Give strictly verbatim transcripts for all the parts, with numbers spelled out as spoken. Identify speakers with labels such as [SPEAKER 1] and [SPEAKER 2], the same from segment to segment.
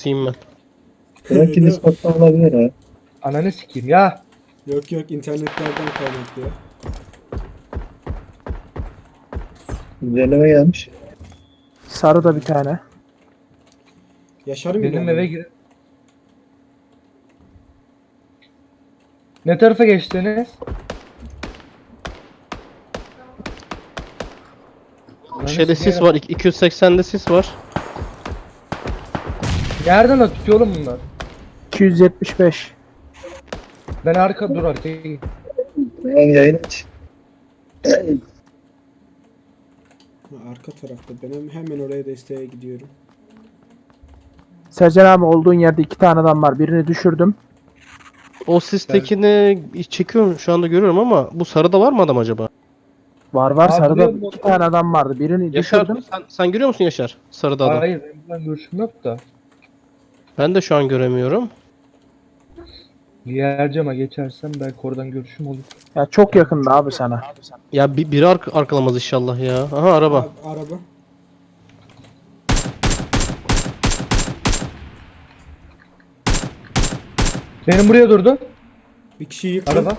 [SPEAKER 1] s**eyim ben.
[SPEAKER 2] Belki Discord'dan olabilir ha.
[SPEAKER 3] Ananı sikeyim ya.
[SPEAKER 4] Yok yok internetlerden kaynaklı ya.
[SPEAKER 2] Güncelleme gelmiş.
[SPEAKER 5] Sarı da bir tane.
[SPEAKER 4] Yaşarım
[SPEAKER 3] Benim
[SPEAKER 4] ileride.
[SPEAKER 3] eve gir. Ne tarafa geçtiniz?
[SPEAKER 1] Şeyde sis var. iki yüz seksende sis var.
[SPEAKER 3] Nereden atıyor oğlum bunlar?
[SPEAKER 5] iki yüz yetmiş beş.
[SPEAKER 3] Ben arka dur arkaya git.
[SPEAKER 2] Ben yayın aç.
[SPEAKER 4] Ha, arka tarafta. Ben hem- hemen oraya desteğe gidiyorum.
[SPEAKER 5] Sercan abi olduğun yerde iki tane adam var. Birini düşürdüm.
[SPEAKER 1] O sistekini çekiyorum şu anda görüyorum ama bu sarıda var mı adam acaba?
[SPEAKER 5] Var var
[SPEAKER 3] Abi
[SPEAKER 5] sarıda
[SPEAKER 3] biliyorum,
[SPEAKER 5] iki tane adam vardı. Birini
[SPEAKER 1] Yaşar
[SPEAKER 5] düşürdüm.
[SPEAKER 1] sen, sen görüyor musun Yaşar? Sarıda adam.
[SPEAKER 3] Hayır benim buradan görüşüm yok da.
[SPEAKER 1] Ben de şu an göremiyorum.
[SPEAKER 3] Diğer cama geçersem belki oradan görüşüm olur.
[SPEAKER 5] Ya çok yakında abi sana.
[SPEAKER 1] Ya bir, biri ark arkalamaz inşallah ya. Aha araba.
[SPEAKER 4] Abi, araba.
[SPEAKER 3] Benim buraya durdu.
[SPEAKER 4] Bir kişiyi yıktım.
[SPEAKER 3] Araba.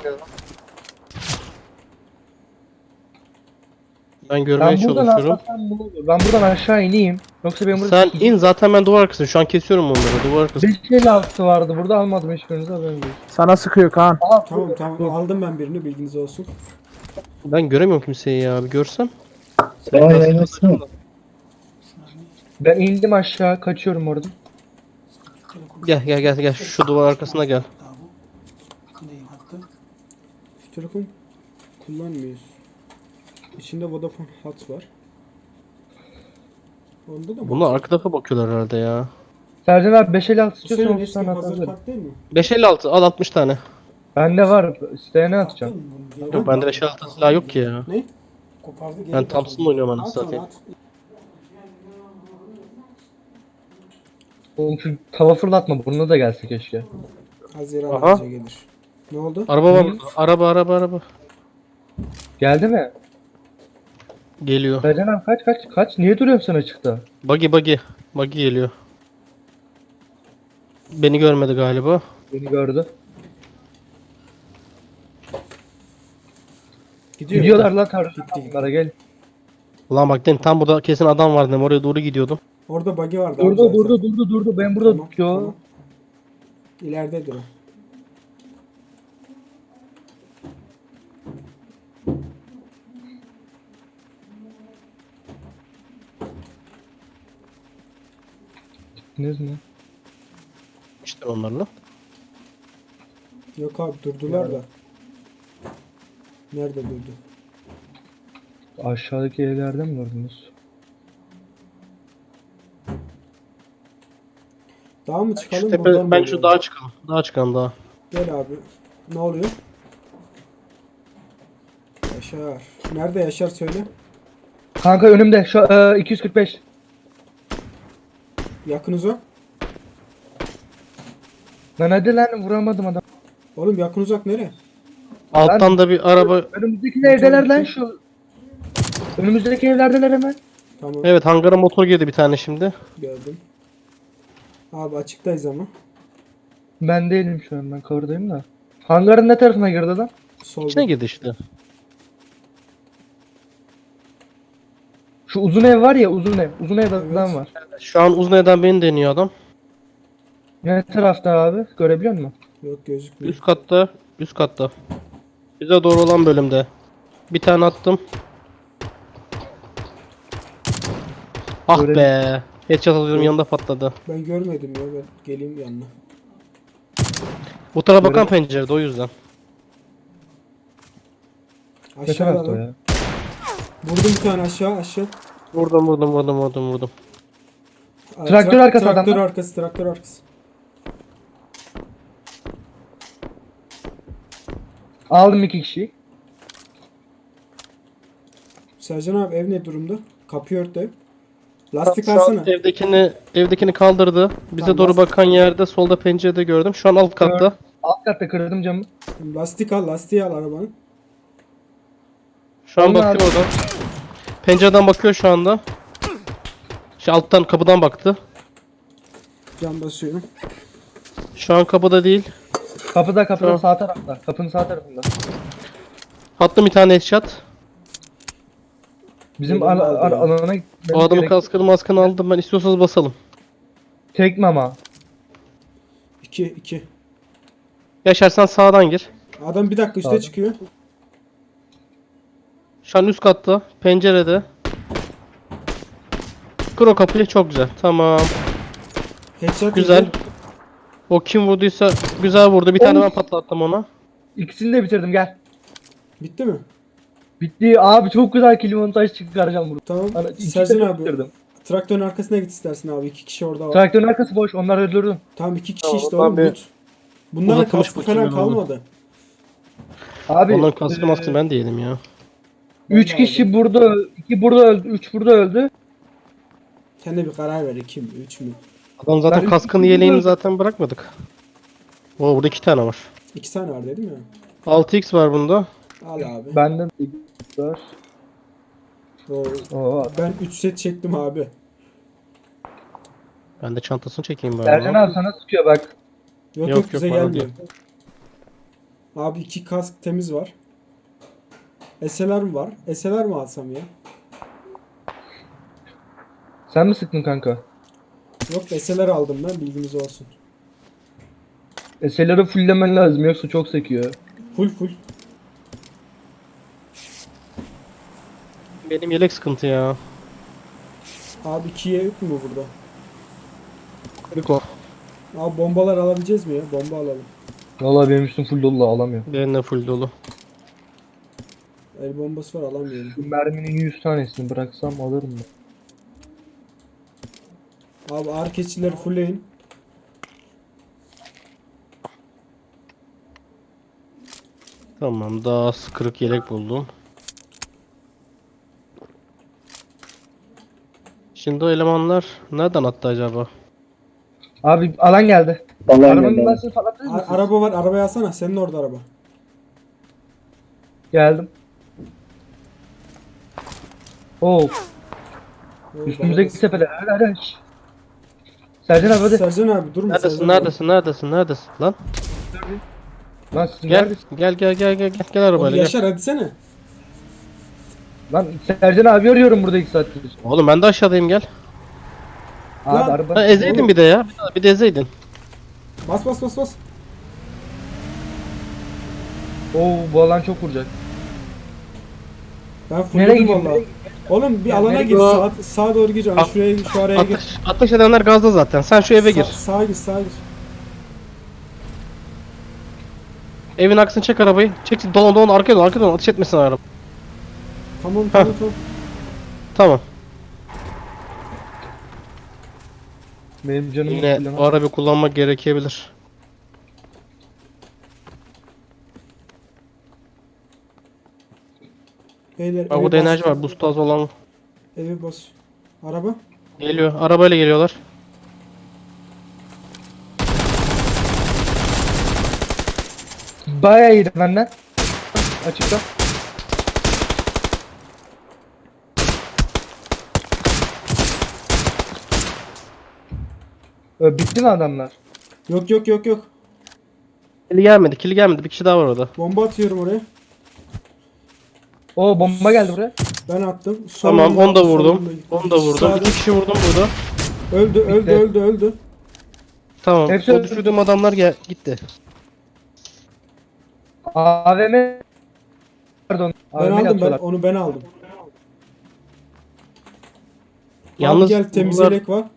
[SPEAKER 1] Ben görmeye
[SPEAKER 3] Ben buradan
[SPEAKER 1] çalışıyorum.
[SPEAKER 3] atlasam bunu olur. Ben buradan aşağı ineyim. Yoksa benim burada
[SPEAKER 1] Sen in zaten ben duvar arkasındayım. Şu an kesiyorum onları. Duvar arkası.
[SPEAKER 3] beş elli altı vardı. Burada almadım hiçbirinizi haberim değil.
[SPEAKER 5] Sana sıkıyor Kaan.
[SPEAKER 3] Aha,
[SPEAKER 4] Tamam tamam aldım ben birini bilginiz olsun.
[SPEAKER 1] Ben göremiyorum kimseyi ya. Bir görsem.
[SPEAKER 2] Tamam yayın açsana.
[SPEAKER 3] Ben indim aşağı kaçıyorum orada.
[SPEAKER 1] Gel gel gel gel. Şu duvar arkasına gel.
[SPEAKER 4] Şu telefon kullanmıyoruz. İçinde Vodafone hat var. Onda da mı?
[SPEAKER 1] Bunlar arka tarafa bakıyorlar herhalde ya.
[SPEAKER 3] Sercan abi beş elli altı
[SPEAKER 4] Bu
[SPEAKER 3] istiyorsan
[SPEAKER 4] senin
[SPEAKER 3] otuz
[SPEAKER 4] eski
[SPEAKER 3] tane
[SPEAKER 4] hazır
[SPEAKER 3] atabilirim.
[SPEAKER 4] kart değil mi?
[SPEAKER 1] beş elli altı al altmış tane.
[SPEAKER 3] Bende var. İsteyene atacağım.
[SPEAKER 1] Yok bende beş elli altı silah yok ki ya.
[SPEAKER 4] Ne? Kopardı geri.
[SPEAKER 1] Ben Thompson'la oynuyorum
[SPEAKER 4] At
[SPEAKER 1] anasını
[SPEAKER 4] onu
[SPEAKER 1] satayım.
[SPEAKER 4] at.
[SPEAKER 3] Oğlum şu tava fırlatma burnuna da gelse keşke.
[SPEAKER 4] Haziran
[SPEAKER 1] Aha.
[SPEAKER 4] ayıca gelir. Ne oldu?
[SPEAKER 1] Araba var.
[SPEAKER 3] Hı?
[SPEAKER 1] burada. Araba araba araba.
[SPEAKER 3] Geldi mi?
[SPEAKER 1] Geliyor.
[SPEAKER 3] Sercan abi kaç kaç kaç. Niye duruyorsun sen açıkta?
[SPEAKER 1] Buggy buggy. Buggy geliyor. Beni görmedi galiba.
[SPEAKER 3] Beni gördü.
[SPEAKER 4] Gidiyor.
[SPEAKER 3] Gidiyorlar lan tarzı.
[SPEAKER 4] Gitti.
[SPEAKER 3] Onlara gel.
[SPEAKER 1] Ulan bak dedim tam burada kesin adam vardı. dedim, Oraya doğru gidiyordum.
[SPEAKER 4] Orada bug'i vardı. abi
[SPEAKER 3] Durdu
[SPEAKER 4] zaten.
[SPEAKER 3] durdu durdu durdu. Ben burada
[SPEAKER 4] Tamam,
[SPEAKER 3] yo.
[SPEAKER 4] tamam. İleridedir o.
[SPEAKER 3] Gittiniz mi?
[SPEAKER 1] İşte onlarla.
[SPEAKER 4] Yok abi durdular da. Nerede durdu?
[SPEAKER 3] Aşağıdaki evlerde mi gördünüz?
[SPEAKER 4] Daha mı
[SPEAKER 1] Şu
[SPEAKER 4] çıkalım
[SPEAKER 1] tepe,
[SPEAKER 4] buradan mı
[SPEAKER 1] ben şu
[SPEAKER 4] oynayalım?
[SPEAKER 1] dağa çıkalım. Dağa çıkalım dağa.
[SPEAKER 4] Gel abi. Ne oluyor? Yaşar. Nerede Yaşar söyle.
[SPEAKER 3] Kanka önümde şu e, iki yüz kırk beş.
[SPEAKER 4] Yakın uzak.
[SPEAKER 3] Lan hadi lan vuramadım adam.
[SPEAKER 4] Oğlum yakın uzak nere?
[SPEAKER 1] Alttan da bir araba.
[SPEAKER 3] Önümüzdeki evdeler lan şu. Önümüzdeki evlerdeler hemen.
[SPEAKER 4] Tamam
[SPEAKER 1] Evet hangara motor girdi bir tane şimdi.
[SPEAKER 4] gördüm. Abi açıktayız ama.
[SPEAKER 3] Ben değilim şu an ben cover'dayım da. Hangarın ne tarafına girdi adam?
[SPEAKER 4] Solda.
[SPEAKER 1] İçine girdi işte.
[SPEAKER 3] Şu uzun ev var ya uzun ev. Uzun ev adam var.
[SPEAKER 1] Şu an uzun evden beni deniyor adam.
[SPEAKER 3] Ne tarafta abi? Görebiliyor musun?
[SPEAKER 4] Yok gözükmüyor.
[SPEAKER 1] Üst katta. Üst katta. Bize doğru olan bölümde. Bir tane attım. Ah
[SPEAKER 3] Görelim.
[SPEAKER 1] be. Headshot alıyorum yanında patladı.
[SPEAKER 4] Ben görmedim ya ben geleyim yanına.
[SPEAKER 1] Bu tarafa bakan
[SPEAKER 3] Görelim.
[SPEAKER 1] pencerede o yüzden.
[SPEAKER 3] Ne
[SPEAKER 4] Aşağıda
[SPEAKER 3] tarafta
[SPEAKER 4] lan.
[SPEAKER 3] ya?
[SPEAKER 4] Vurdum bir tane aşağı aşağı.
[SPEAKER 1] Vurdum vurdum vurdum vurdum vurdum.
[SPEAKER 4] Aa,
[SPEAKER 3] Traktör
[SPEAKER 4] trak-
[SPEAKER 3] arkası
[SPEAKER 4] Traktör
[SPEAKER 3] adamlar.
[SPEAKER 4] arkası traktör arkası.
[SPEAKER 3] Aldım iki kişiyi.
[SPEAKER 4] Sercan abi ev ne durumda? Kapıyı ört ev. Lastik
[SPEAKER 1] Şu an
[SPEAKER 4] alsana.
[SPEAKER 1] evdekini evdekini kaldırdı. Bize
[SPEAKER 4] Tamam,
[SPEAKER 1] doğru
[SPEAKER 4] lastik-
[SPEAKER 1] bakan yerde solda pencerede gördüm. Şu an alt katta.
[SPEAKER 3] Alt katta kırdım camı.
[SPEAKER 4] Lastik al lastiği al arabanın.
[SPEAKER 1] Şu an
[SPEAKER 3] Onlar-
[SPEAKER 1] bakıyor oradan. Pencereden bakıyor şu anda. Şu alttan kapıdan baktı.
[SPEAKER 4] Can basıyorum.
[SPEAKER 1] Şu an kapıda değil.
[SPEAKER 3] Kapıda kapıda
[SPEAKER 1] Tamam.
[SPEAKER 3] sağ tarafta. Kapının sağ tarafında.
[SPEAKER 1] Attım bir tane headshot.
[SPEAKER 3] Bizim
[SPEAKER 4] Benim
[SPEAKER 3] al-
[SPEAKER 4] de
[SPEAKER 3] al-
[SPEAKER 4] aldı ya.
[SPEAKER 3] alana gitmemiz
[SPEAKER 1] O adamın
[SPEAKER 3] gerek.
[SPEAKER 1] kaskını maskını aldım ben. İstiyorsanız basalım.
[SPEAKER 3] Tekme ama.
[SPEAKER 4] iki iki.
[SPEAKER 1] Yaşar sen sağdan gir.
[SPEAKER 4] Adam bir dakika üste
[SPEAKER 3] Sağda.
[SPEAKER 4] çıkıyor.
[SPEAKER 1] Şu an üst katta. Pencerede. Kır o kapıyı. Çok güzel. Tamam.
[SPEAKER 4] Headshot
[SPEAKER 1] Güzel.
[SPEAKER 4] yedi.
[SPEAKER 1] O kim vurduysa güzel vurdu. Bir tane
[SPEAKER 3] Of.
[SPEAKER 1] ben patlattım ona.
[SPEAKER 3] İkisini de bitirdim gel.
[SPEAKER 4] Bitti mi?
[SPEAKER 3] Bitti abi, çok güzel kill montaj çıkaracağım burada.
[SPEAKER 4] Tamam.
[SPEAKER 3] Ana, ikisini
[SPEAKER 4] Sercan
[SPEAKER 3] de
[SPEAKER 4] abi.
[SPEAKER 3] bitirdim.
[SPEAKER 4] Traktörün arkasına git istersin abi. İki kişi orada var.
[SPEAKER 3] Traktörün arkası boş, onları öldürdüm.
[SPEAKER 4] Tamam iki kişi
[SPEAKER 1] Tamam,
[SPEAKER 4] işte
[SPEAKER 1] ondan
[SPEAKER 4] oğlum.
[SPEAKER 1] bir
[SPEAKER 4] Loot. Bunların
[SPEAKER 1] uzatılmış
[SPEAKER 4] kaskı
[SPEAKER 1] bakayım
[SPEAKER 4] falan
[SPEAKER 1] ben onu.
[SPEAKER 4] kalmadı.
[SPEAKER 3] Abi
[SPEAKER 1] Onların kaskı
[SPEAKER 3] e,
[SPEAKER 1] maskını ben de yedim ya.
[SPEAKER 3] üç
[SPEAKER 4] Ben de
[SPEAKER 3] kişi
[SPEAKER 4] aldım.
[SPEAKER 3] burada öldü, iki burada öldü, üç burada öldü.
[SPEAKER 4] Sen de bir karar ver. iki mi? Üç mü?
[SPEAKER 1] Adam zaten
[SPEAKER 3] Ben
[SPEAKER 1] kaskını
[SPEAKER 3] üç-
[SPEAKER 1] yeleğini zaten bırakmadık. Oo burada iki tane var.
[SPEAKER 4] İki tane var dedim ya.
[SPEAKER 1] altı x var bunda.
[SPEAKER 4] Al abi.
[SPEAKER 3] Benden var.
[SPEAKER 4] Oo,
[SPEAKER 3] Oo.
[SPEAKER 4] ben üç set çektim abi.
[SPEAKER 1] Ben de çantasını çekeyim bari.
[SPEAKER 3] Sercan abi sana sıkıyor bak.
[SPEAKER 4] Yok yok,
[SPEAKER 1] Yok, yok,
[SPEAKER 4] bize
[SPEAKER 1] bana
[SPEAKER 4] gelmiyor. Abi iki kask temiz var. S L R mi var? S L R mi alsam ya?
[SPEAKER 3] Sen mi sıktın kanka?
[SPEAKER 4] Yok S L R aldım ben, bilginiz olsun.
[SPEAKER 3] S L R'ı fulllemen lazım yoksa çok sekiyor.
[SPEAKER 4] Full full.
[SPEAKER 1] Benim yelek sıkıntı ya.
[SPEAKER 4] Abi ikiye yok mu burada?
[SPEAKER 1] Kırık o.
[SPEAKER 4] Abi bombalar alabileceğiz mi ya? Bomba alalım.
[SPEAKER 3] Vallahi benim üstüm full dolu, alamıyorum.
[SPEAKER 1] Benim de full dolu.
[SPEAKER 4] El bombası var, alamıyorum.
[SPEAKER 3] Şu merminin yüz tanesini bıraksam alırım mı?
[SPEAKER 4] Abi ağır keçileri fullleyin.
[SPEAKER 1] Tamam daha kırık yelek buldum. Şimdi o elemanlar nereden attı acaba?
[SPEAKER 3] Abi alan geldi.
[SPEAKER 2] Vallahi
[SPEAKER 3] Arabanın
[SPEAKER 2] geldi.
[SPEAKER 3] lastiğini patlatır
[SPEAKER 4] A-
[SPEAKER 3] mısın?
[SPEAKER 4] araba var, arabayı alsana. Senin orada araba.
[SPEAKER 3] Geldim. Oo,
[SPEAKER 4] Oo,
[SPEAKER 3] üstümüzdeki
[SPEAKER 4] bana da-
[SPEAKER 3] tepeler. Hadi hadi. Şşş. Sercan abi hadi.
[SPEAKER 4] Sercan abi durma.
[SPEAKER 1] Neredesin
[SPEAKER 4] Sercan abi.
[SPEAKER 1] neredesin neredesin neredesin lan?
[SPEAKER 3] Lan sizin
[SPEAKER 1] Gel
[SPEAKER 3] neredesin?
[SPEAKER 1] gel gel gel gel gel gel
[SPEAKER 4] Oğlum
[SPEAKER 1] arabayla gel.
[SPEAKER 4] Yaşar hadi sene.
[SPEAKER 3] Lan Sercan abi arıyorum burada iki saattir.
[SPEAKER 1] Oğlum ben de aşağıdayım gel.
[SPEAKER 3] Abi
[SPEAKER 4] Lan,
[SPEAKER 3] araba.
[SPEAKER 1] Ha, ezeydin
[SPEAKER 4] Oğlum.
[SPEAKER 1] bir de ya. Bir de, bir de ezeydin.
[SPEAKER 4] Bas bas bas bas.
[SPEAKER 3] Oo, bu alan çok vuracak.
[SPEAKER 4] Ben
[SPEAKER 3] Nereye
[SPEAKER 4] fullledim
[SPEAKER 3] gidiyorsun?
[SPEAKER 4] valla. Oğlum bir
[SPEAKER 3] Ya
[SPEAKER 4] alana
[SPEAKER 3] nereye
[SPEAKER 4] gir.
[SPEAKER 1] gidiyor?
[SPEAKER 4] Sağa, sağa doğru gir. Hani
[SPEAKER 1] At-
[SPEAKER 4] şuraya şu araya gir.
[SPEAKER 1] Ateş, ateş edenler gazda zaten. Sen şu eve gir.
[SPEAKER 4] Sa- sağa gir sağa gir.
[SPEAKER 1] Evin aksını çek arabayı. Çek dolan dolan arkaya dolan arkaya dolan. Ateş etmesin araba.
[SPEAKER 4] Tamam tamam tamam.
[SPEAKER 1] Tamam.
[SPEAKER 3] Benim canım
[SPEAKER 1] Yine
[SPEAKER 3] full
[SPEAKER 1] o arabayı kullanmak gerekebilir.
[SPEAKER 4] Beyler
[SPEAKER 1] Bak
[SPEAKER 4] eve
[SPEAKER 1] burada
[SPEAKER 4] bas.
[SPEAKER 1] enerji var. Boost az olan
[SPEAKER 4] Eve bas. Araba.
[SPEAKER 1] geliyor. Arabayla geliyorlar.
[SPEAKER 3] Bayağı iyiydi benden. Açıkta. Ö, bitti mi adamlar?
[SPEAKER 4] Yok yok yok yok.
[SPEAKER 1] Kili gelmedi. Kili gelmedi. Bir kişi daha var orada.
[SPEAKER 4] Bomba atıyorum oraya.
[SPEAKER 3] Oo, bomba geldi buraya.
[SPEAKER 4] Ben attım.
[SPEAKER 1] Tamam
[SPEAKER 4] Solunda-
[SPEAKER 1] onu da vurdum.
[SPEAKER 4] solunda-
[SPEAKER 1] Onu da vurdum.
[SPEAKER 4] Sağda.
[SPEAKER 1] İki kişi vurdum burada.
[SPEAKER 4] Öldü öldü
[SPEAKER 3] Bitti.
[SPEAKER 4] öldü öldü.
[SPEAKER 1] Tamam.
[SPEAKER 3] Hepsi
[SPEAKER 1] o
[SPEAKER 3] öldü.
[SPEAKER 1] düşürdüğüm adamlar gel gitti.
[SPEAKER 3] A V M. Pardon.
[SPEAKER 4] Ben
[SPEAKER 3] A V M'yi
[SPEAKER 4] aldım ben
[SPEAKER 3] atıyorlar.
[SPEAKER 4] onu ben aldım.
[SPEAKER 1] Yalnız
[SPEAKER 4] Abi gel temiz
[SPEAKER 1] bunlar-
[SPEAKER 4] yelek var.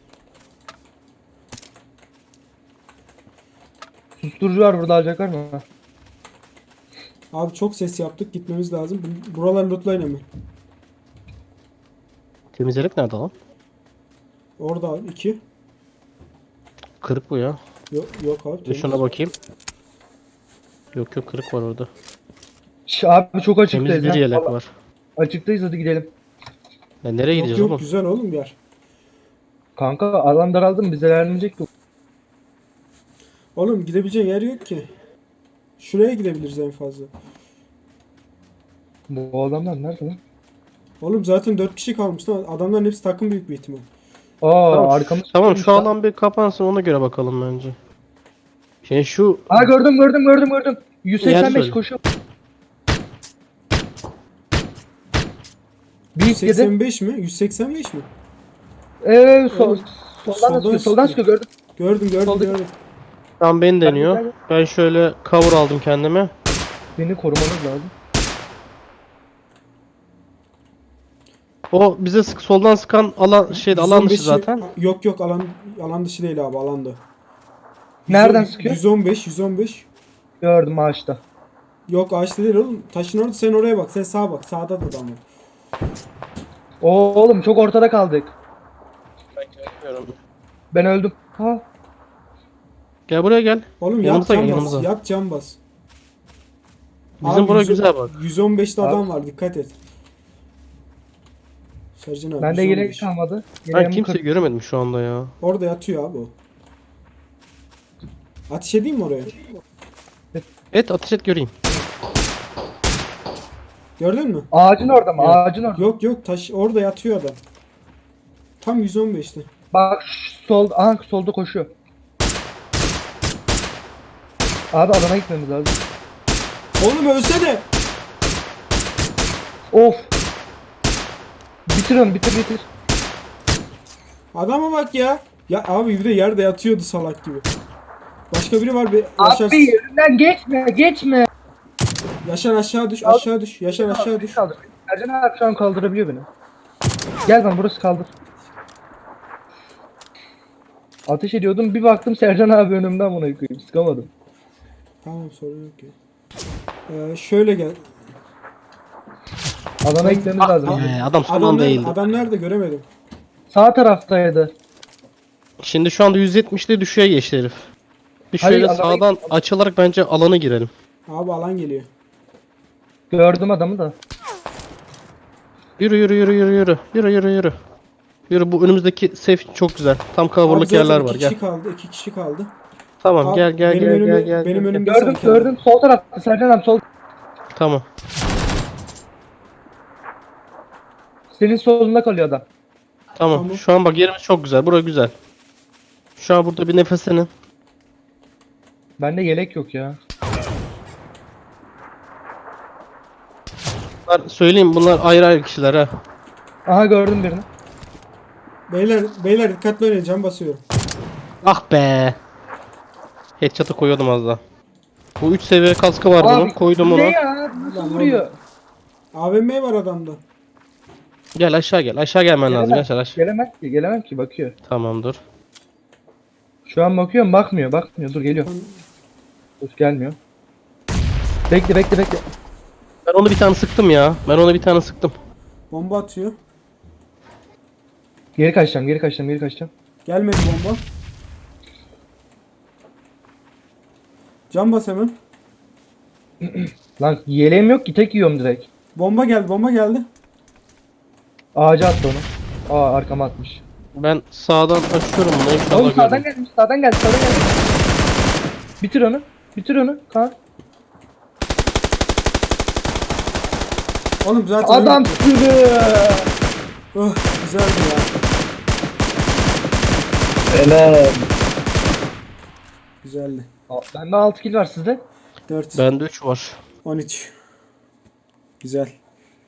[SPEAKER 3] Susturucu var burada, alacaklar mı?
[SPEAKER 4] Abi çok ses yaptık, gitmemiz lazım. Bu- Buralar lootlayın hemen.
[SPEAKER 1] temizlemek nerede lan?
[SPEAKER 4] Orada abi iki.
[SPEAKER 1] Kırık bu ya.
[SPEAKER 4] Yok yok abi.
[SPEAKER 1] Bir
[SPEAKER 4] temiz.
[SPEAKER 1] şuna bakayım. Yok yok kırık var orada.
[SPEAKER 3] Şş, abi çok açıktayız.
[SPEAKER 1] Temiz bir
[SPEAKER 3] ha.
[SPEAKER 1] yelek
[SPEAKER 3] Vallahi
[SPEAKER 1] var.
[SPEAKER 3] Açıktayız, hadi gidelim.
[SPEAKER 1] Ya nereye
[SPEAKER 4] Yok
[SPEAKER 1] gideceğiz
[SPEAKER 4] yok
[SPEAKER 1] oğlum?
[SPEAKER 4] güzel oğlum bir yer.
[SPEAKER 3] Kanka alan daraldı mı? Bize vermeyecek ki.
[SPEAKER 4] Oğlum gidebileceğin yer yok ki. Şuraya gidebiliriz en fazla.
[SPEAKER 3] Bu adamlar nerede lan?
[SPEAKER 4] Oğlum zaten dört kişi kalmış lan. Adamların hepsi takım büyük bir ihtimal.
[SPEAKER 3] Aa
[SPEAKER 1] Tamam,
[SPEAKER 3] arkamız.
[SPEAKER 1] Tamam
[SPEAKER 3] tutulmuş
[SPEAKER 1] şu
[SPEAKER 3] lan.
[SPEAKER 1] alan bir kapansın, ona göre bakalım bence. Şey şu
[SPEAKER 3] Aa gördüm gördüm gördüm gördüm. yüz seksen beş
[SPEAKER 1] söyle.
[SPEAKER 3] koşuyor. Bir
[SPEAKER 4] yüz
[SPEAKER 3] yedi.
[SPEAKER 4] seksen beş mi? yüz seksen beş mi?
[SPEAKER 3] Eee sol,
[SPEAKER 4] Evet.
[SPEAKER 3] soldan
[SPEAKER 4] Soldan
[SPEAKER 3] da sıkıyor. Soldan
[SPEAKER 4] sıkıyor.
[SPEAKER 3] sıkıyor gördüm.
[SPEAKER 4] Gördüm gördüm
[SPEAKER 3] Solda-
[SPEAKER 4] gördüm.
[SPEAKER 1] tam beni deniyor.
[SPEAKER 3] ben-
[SPEAKER 1] Ben şöyle cover aldım kendime.
[SPEAKER 3] Beni korumanız lazım.
[SPEAKER 1] O bize sık soldan sıkan alan şeydi, alan dışı
[SPEAKER 4] yüz on beşi
[SPEAKER 1] zaten.
[SPEAKER 4] Yok yok alan alan dışı değil abi alanda.
[SPEAKER 3] Nereden sıkıyor?
[SPEAKER 4] yüz on beş yüz on beş.
[SPEAKER 3] Gördüm ağaçta.
[SPEAKER 4] Yok ağaçta değil oğlum. Taşın orada, sen oraya bak. Sen sağa bak. Sağda da adam var.
[SPEAKER 3] Oo, oğlum çok ortada kaldık. Ben öldüm. Ha.
[SPEAKER 1] Gel buraya gel.
[SPEAKER 4] Oğlum yat
[SPEAKER 1] Yanımıza
[SPEAKER 4] cam
[SPEAKER 1] gel,
[SPEAKER 4] bas.
[SPEAKER 1] yanımıza.
[SPEAKER 4] Yat cam bas.
[SPEAKER 1] Bizim
[SPEAKER 4] Abi
[SPEAKER 1] bura
[SPEAKER 4] yüz-
[SPEAKER 1] güzel bak.
[SPEAKER 4] yüz on beşte adam var. Dikkat et. Sercan abi.
[SPEAKER 3] Bende
[SPEAKER 4] yüz on
[SPEAKER 3] yelek
[SPEAKER 4] beş.
[SPEAKER 3] kalmadı.
[SPEAKER 1] Ben
[SPEAKER 3] Yeleğimi
[SPEAKER 1] kimseyi
[SPEAKER 3] kır-
[SPEAKER 1] göremedim şu anda ya.
[SPEAKER 4] Orada yatıyor abi o. Ateş edeyim mi oraya?
[SPEAKER 1] Et ateş et göreyim.
[SPEAKER 4] Gördün mü?
[SPEAKER 3] Ağacın orada mı?
[SPEAKER 1] Yok.
[SPEAKER 3] Ağacın orada.
[SPEAKER 4] Yok yok taş orada yatıyor adam. Tam yüz on beşte.
[SPEAKER 3] Bak şu sol, aha solda koşuyor. Abi alana gitmemiz lazım.
[SPEAKER 4] Oğlum ölsene.
[SPEAKER 3] Of. Bitir onu bitir bitir.
[SPEAKER 4] Adama bak ya. Ya abi bir de yerde yatıyordu salak gibi. Başka biri var bir Yaşar.
[SPEAKER 3] Abi yerinden geçme geçme.
[SPEAKER 4] Yaşar aşağı düş aşağı düş. Yaşar aşağı düş.
[SPEAKER 3] Kaldır. Ercan abi şu an kaldırabiliyor beni. Gel lan burası kaldır. Ateş ediyordum bir baktım Sercan abi önümden buna yıkayım. Sıkamadım.
[SPEAKER 4] Tamam sorun yok ya. Ee, şöyle gel.
[SPEAKER 3] Alana gitmemiz lazım.
[SPEAKER 1] Ee, adam son
[SPEAKER 4] Adam
[SPEAKER 1] anda
[SPEAKER 4] nerede?
[SPEAKER 1] eğildi.
[SPEAKER 4] Adam nerede göremedim.
[SPEAKER 3] Sağ taraftaydı.
[SPEAKER 1] Şimdi şu anda yüz yetmişte düşüğe geçti herif. Bir
[SPEAKER 3] Hayır,
[SPEAKER 1] şöyle
[SPEAKER 3] alana-
[SPEAKER 1] sağdan açılarak bence alana girelim.
[SPEAKER 4] Abi alan geliyor.
[SPEAKER 3] Gördüm adamı da.
[SPEAKER 1] Yürü yürü yürü yürü yürü. Yürü yürü yürü. Yürü, bu önümüzdeki safe çok güzel. Tam
[SPEAKER 4] Abi
[SPEAKER 1] coverlık
[SPEAKER 4] zaten
[SPEAKER 1] yerler
[SPEAKER 4] iki
[SPEAKER 1] var, gel.
[SPEAKER 4] kişi kaldı. iki kişi kaldı.
[SPEAKER 1] Tamam
[SPEAKER 4] Abi,
[SPEAKER 1] gel gel
[SPEAKER 4] benim
[SPEAKER 1] gel
[SPEAKER 4] önümde,
[SPEAKER 1] gel gel.
[SPEAKER 4] Benim
[SPEAKER 1] gel.
[SPEAKER 4] önümde
[SPEAKER 3] Gördüm
[SPEAKER 4] sen kaldın.
[SPEAKER 3] gördüm sol tarafta Sercan abi sol.
[SPEAKER 1] Tamam.
[SPEAKER 3] Senin solunda kalıyor adam.
[SPEAKER 1] Tamam.
[SPEAKER 4] Tamam.
[SPEAKER 1] Şu an bak yerimiz çok güzel. Bura güzel. Şu an burada bir nefeslenin.
[SPEAKER 3] Bende yelek yok ya.
[SPEAKER 1] Bunlar, söyleyeyim, bunlar ayrı ayrı kişiler ha.
[SPEAKER 3] Aha gördüm birini.
[SPEAKER 4] Beyler beyler dikkatli oynayın cam basıyorum.
[SPEAKER 1] Ah be. Headshot'ı koyuyordum az daha. Bu üç seviye kaskı var bunun. Koydum
[SPEAKER 3] bu
[SPEAKER 1] onu.
[SPEAKER 3] Ne ya? Nasıl
[SPEAKER 4] Lan
[SPEAKER 3] vuruyor?
[SPEAKER 4] A V M var adamda.
[SPEAKER 1] Gel aşağı gel. Aşağı gelmen lazım.
[SPEAKER 3] Gelemem.
[SPEAKER 1] Yaşar aşağı.
[SPEAKER 3] Gelemem ki gelemem ki bakıyor.
[SPEAKER 1] Tamam dur.
[SPEAKER 3] Şu an bakıyorum bakmıyor bakmıyor dur geliyor. Dur gelmiyor. Bekle bekle bekle.
[SPEAKER 1] Ben onu bir tane sıktım ya. Ben onu bir tane sıktım.
[SPEAKER 4] Bomba atıyor.
[SPEAKER 3] Geri kaçacağım geri kaçacağım geri kaçacağım.
[SPEAKER 4] Gelmedi bomba. Cam bas hemen.
[SPEAKER 3] Lan yeleğim yok ki tek yiyorum direkt.
[SPEAKER 4] Bomba geldi bomba geldi.
[SPEAKER 3] Ağaca attı onu. Aa arkama atmış.
[SPEAKER 1] Ben sağdan açıyorum bunu.
[SPEAKER 3] Oğlum
[SPEAKER 1] İnşallah
[SPEAKER 3] sağdan
[SPEAKER 1] görürüm.
[SPEAKER 3] gelmiş sağdan geldi sağdan geldi. Bitir onu. Bitir onu. Kaan.
[SPEAKER 4] Oğlum zaten
[SPEAKER 3] Adam sürü.
[SPEAKER 4] Oh, güzeldi ya.
[SPEAKER 2] Helal.
[SPEAKER 4] Güzeldi.
[SPEAKER 3] Bende altı kill var sizde.
[SPEAKER 4] dört.
[SPEAKER 1] Bende üç var.
[SPEAKER 4] on üç. Güzel.